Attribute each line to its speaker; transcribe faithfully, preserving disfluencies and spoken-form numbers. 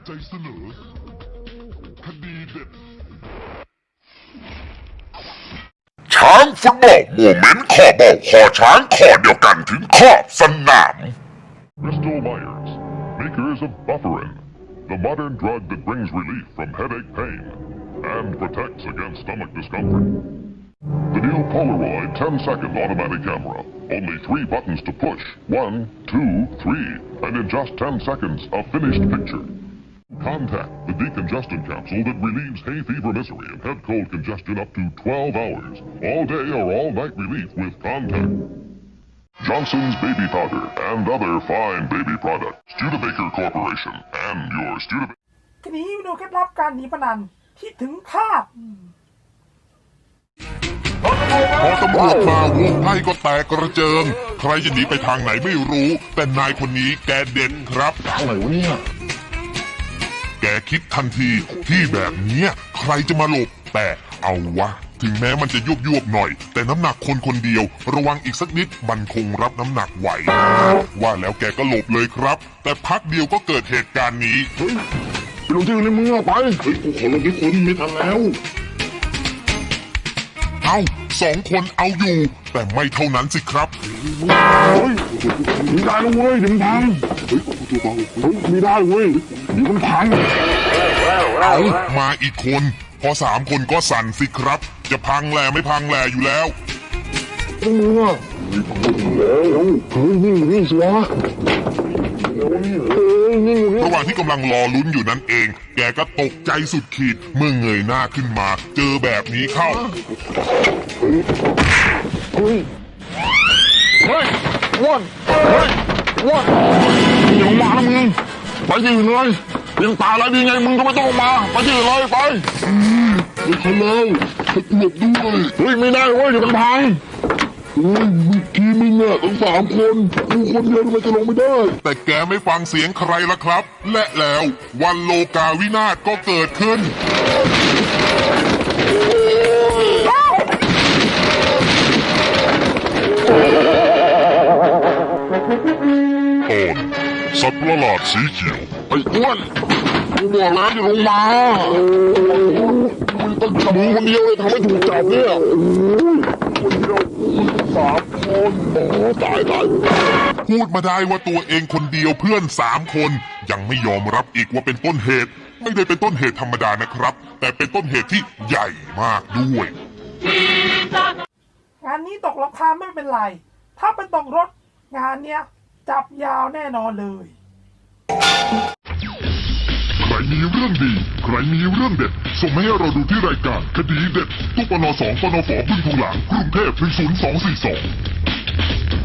Speaker 1: ใจเสนอคดีเด็ดช้างฟุตบอลโมเมนต์ขอบอกขอช้างขอเดียวกันถึงขอบสนาม
Speaker 2: Bristol Myers, makers of Bufferin, the modern drug that brings relief from headache pain and protects against stomach discomfort. The new Polaroid ten second automatic camera, only three buttons to push, one, two, three, and in just ten seconds, a finished picture. Contact, the decongestant capsule that relieves hay fever misery and head cold congestion up to twelve hours, all day or all night relief with Contact. Johnson's Baby Powder and other fine baby products. Studebaker Corporation and your Studebaker.
Speaker 3: ทีนี้ดูเคล็ดลับการหนีพนันที่ถึงคาด
Speaker 1: พอตำรวจมาวงไพ่ก็แตกกระเจิง ใครจะหนีไปทางไหนไม่รู้ แต่นายคนนี้แกเด็ดครับอะไรวะเนี่ยแกคิดทันทีที่แบบนี้ใครจะมาหลบแต่เอาวะถึงแม้มันจะยุบยุบหน่อยแต่น้ำหนักคนคนเดียวระวังอีกสักนิดมันคงรับน้ำหนักไหวว่าแล้วแกก็หลบเลยครับแต่พักเดียวก็เกิดเหตุการณ์นี้เฮ้ยไปลงที่อื่นเลยมึงเอาไปเฮ้ยกูขอลงที่คนไม่ทันแล้วเอาสองคนเอาอยู่แต่ไม่เท่านั้นสิครับเฮ้ยมีได้แล้วเว้ยเดี๋ยวมันพังเฮ้ยตัวเบาเฮ้ยมีได้เว้ยเดี๋ยวมันพังเอามาอีกคนพอสามคนก็สั่นสิครับจะพังแหล่ไม่พังแหล่อยู่แล้วมึงอ่ะแล้วเฮ้ยนี่นี่สิวะระหว่างที่กำลังรอลุ้นอยู่นั้นเองแกก็ตกใจสุดขีดเมื่อเงยหน้าขึ้นมาเจอแบบนี้เข้าเฮ้ยเฮ้ยอ้วนเฮ้ยอ้วนอย่ามานะมึงไปที่อื่นเลยยังตายแล้วดีไงมึงก็ไม่ต้องมาไปที่อื่นเลยไปไปทะเลให้กูหลบด้วยเฮ้ยไม่ได้เว้ยเดี๋ยวมันพังเฮ้ยเมื่อกี้มึงอะต้องสามคนกูคนเดียวทำไมจะลงไม่ได้แต่แกไม่ฟังเสียงใครล่ะครับและแล้ววันโลกาวินาศก็เกิดขึ้นตอนสัตว์ประหลาดสีเขียวไอ้อ้วนกูบอกแล้วอย่าลงมามึงต้องจับมึงคนเดียวเลยทำให้ถูกจับเนี่ยคนเดียวสามคนโอ้ตายตายพูดมาได้ว่าตัวเองคนเดียวเพื่อนสามคนยังไม่ยอมรับอีกว่าเป็นต้นเหตุไม่ได้เป็นต้นเหตุธรรมดานะครับแต่เป็นต้นเหตุที่ใหญ่มากด้วย
Speaker 3: งานนี้ตกราคาไม่เป็นไรถ้าเป็นตกรถงานเนี้ยจับยาวแน่นอนเลย
Speaker 1: ใครมีเรื่องดีใครมีเรื่องเด็ดส่งมาให้เราดูที่รายการคดีเด็ดตู้ปนสองปนฝบึ้งทองหลางกรุงเทพหนึ่งศูนย์สองสี่สอง